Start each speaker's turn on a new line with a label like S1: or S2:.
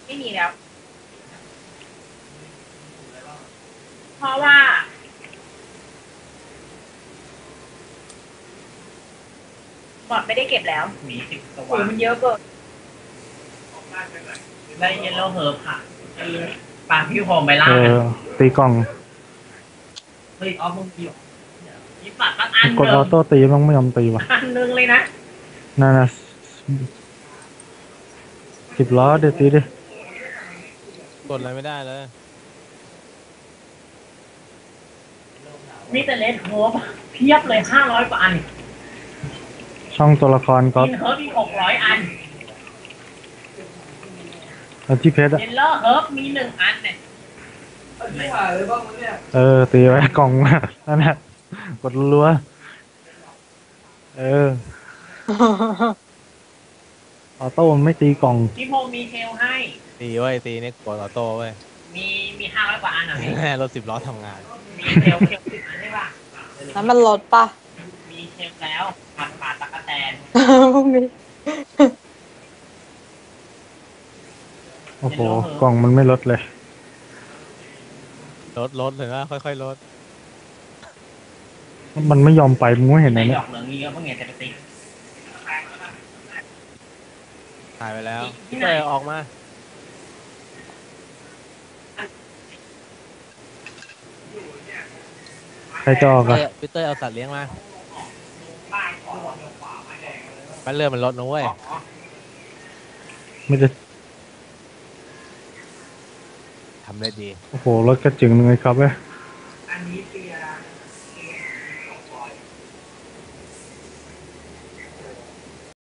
S1: ไม่มีแล้วเพราะว่าบอดไม่ได้เก็บแล้ว
S2: มี10 ตัว
S1: โอ้มันเยอะเกิน
S2: ได้เยลโล่เฮิร์บค่ะไอ้ปลาพี่โฮมไปล่า
S3: เออตีกล่อง
S2: เฮ้ยออฟมึงกี่มีสัตว์ตั้งอัน
S3: กด
S2: เดิ
S3: ออ
S2: ม
S3: โต้ตีมันไม่ยอมตีว่ะ
S1: อันนึงเลยนะ
S3: นั่นนะ10 ล้อเดี๋ยวตีดิ
S4: กดอะไรไม่ได้เลย
S2: มีแต่เลนโฮมเพียบเลย500 กว่าอัน
S3: ช่องตัวละครก็
S2: กินเฮิร์บอีก600 อัน
S3: ที่เพชรอะ
S2: เยลโล่เฮิร์บมี1 อันเนี่ย
S3: ตีไว้กล่องมานั่นแหละกดรัวออโต้มันไม่ตีกล่อง
S2: พี่พงษ์มีเทลให้
S4: ตีเว้ยตีนี่กดออโต้เว้ย
S2: มี500 กว่าอันเหรอพี่
S4: แม่รถ10 ล้อทำงาน
S2: มีเทล10 อันใช่ป่ะ
S5: แล้วมันลดปะ
S2: มีเทลแล้วผัดปลาตะกะแตน
S5: พวกนี้
S3: โอ้โหกล่องมันไม่ลดเลย
S4: ลดเลยนะค่อยๆลด
S3: มันไม่ยอมไปมึงไม่เห็นไหม
S2: ในด
S3: เนี่ย
S2: อกเหลืองนี้ก็เพิ่งเห็นแต่ปฏิ
S4: หายไปแล้ว
S2: ที่ไหน
S4: เตยออกมา
S3: ใครจะออกอะ
S4: พี่เตยเอาสัตว์เลี้ยงมามันเลื่อนมันลดนะเว้ย
S3: ไม่ได้
S4: ทำได้ดี
S3: โอ้โหรถกระจึงหนึ่งเลยครับเว้ย
S2: อันนี้ตี